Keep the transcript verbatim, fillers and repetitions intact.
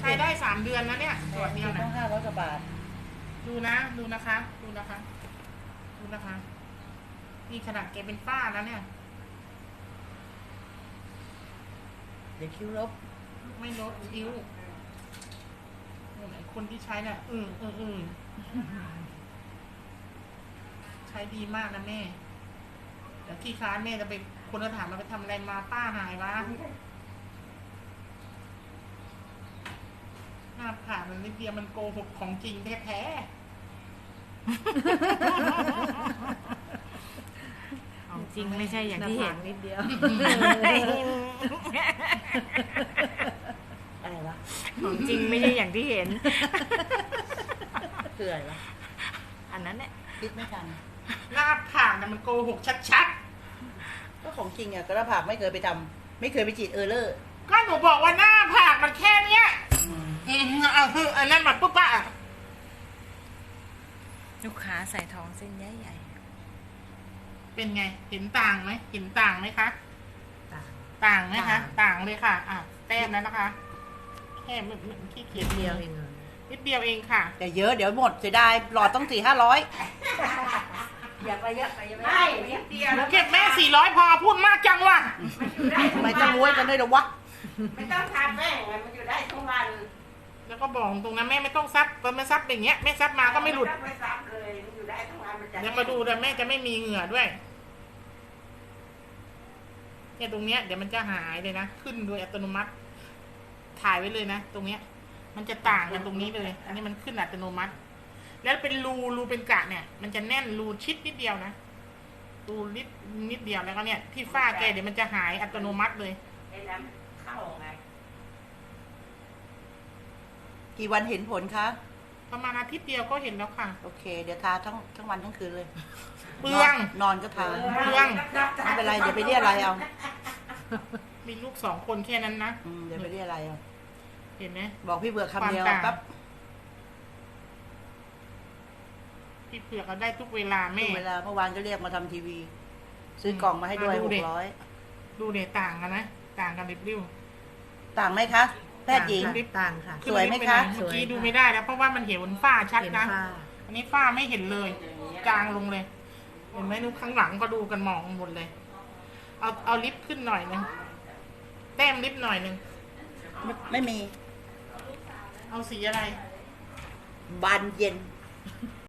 ช้ได้สามเดือนนะเนี่ยขวดเดียวต้นะองห้าร้อยกว่าบาทดูนะดูนะคะ ดูนะคะ ดูนะคะนี่ขนาดแกเป็นป้าแล้วเนี่ยเดี๋ยวคิ้วลบไม่ลดคิ้วคนที่ใช้เนี่ยอืมอืมอืมใช้ดีมากนะแม่เดี๋ยวที่ค้านแม่จะไปคนจะถามมาไปทำอะไรมาป้าหายวะหน้าผ่ามันนิดเดียวมันโกหกของจริงแท้ๆของจริงไม่ใช่อย่างที่เห็นนิดเดียวอะไรวะของจริงไม่ใช่อย่างที่เห็นคืออะไรวะอันนั้นเนี่ยคิดไม่ทันหน้าผากน่ะมันโกหกชัดก็ของจริงอ่ะกระผักไม่เคยไปทำไม่เคยไปจีดเออร์เลอร์ๆก็หนูบอกว่าหน้าผากมันแค่เนี้ยอืมเอาคืออันนั้นมันปุ๊บปะลูกค้าใส่ทองเส้นใหญ่เป็นไงเห็นต่างไหมเห็นต่างไหมคะๆต่างต่างไหมคะต่างต่างเลยค่ะ อ่ะแต้มแล้วนะคะ แค่มันมันขี้เกียจเดียวเองนิดเดียวเองค่ะแต่เยอะเดี๋ยวหมดเสียดายหลอดต้องสี่ห้าร้อยอย่าไปเยอะไปเยอะไม่นิดเดียวหนูเก็บแม่สี่ร้อยพอพูดมากจังว่ะทำไมจะรวยกันด้วยเหรอวะไม่ต้องทาแป้งมันอยู่ได้ทั้งวันแล้วก็บอกตรงนั้นแม่ไม่ต้องซับตอนแม่ซับอย่างเงี้ยแม่ซับมาก็ไม่หลุดไม่ซับเลยมันอยู่ได้ทั้งวันมันจะเดี๋ยวมาดูแต่แม่จะไม่มีเหงื่อด้วยเนี่ยตรงเนี้ยเดี๋ยวมันจะหายเลยนะขึ้นโดยอัตโนมัติ ถ่ายไว้เลยนะตรงเนี้ย มันจะต่างกันตรงนี้เลย อันนี้มันขึ้นอัตโนมัติ แล้วเป็นรูรูเป็นกะเนี่ย มันจะแน่นรูชิดนิดเดียวนะรูนิดนิดเดียวแล้วก็เนี่ยที่ฝ้าแกเดี๋ยวมันจะหายอัตโนมัติเลยไอ้น้ำเข้าไงกี่วันเห็นผลคะประมาณอาทิตย์เดียวก็เห็นแล้วค่ะโอเค เดี๋ยวทาทั้งทั้งวันทั้งคืนเลยเปลืองนอนก็ทาเรื่องไม่เป็นไรเดี๋ยวไปเรียอะไรเอามีลูกสองคนแค่นั้นนะอืมเดี๋ยวไปเรียอะไรเอาเห็นไหมบอกพี่เบือกคำเดียวความต่างปั๊บพี่เผือกเราได้ทุกเวลาแม่เวลาเมื่อวานก็เรียกมาทำทีวี ซื้อกล่องมาให้ด้วยมาดูหดิกร้อยดูเนี่ยต่างกันนะต่างกันริบริ้วต่างไหมคะ แพทย์หญิงต่างค่ะขึ้นสวยไหมคะเมื่อกี้ดูไม่ได้แล้วเพราะว่ามันเห็นบนฝ้าชัดเห็นนะผ้าอันนี้ฝ้าไม่เห็นเลย จางลงเลย เห็นไหมนูข้างหลังก็ดูกันมองหมดเลย เอาเอาลิฟต์ขึ้นหน่อยนึงแต้มลิฟต์หน่อยนึงไม่ไม่มีเอาสีอะไรบานเย็น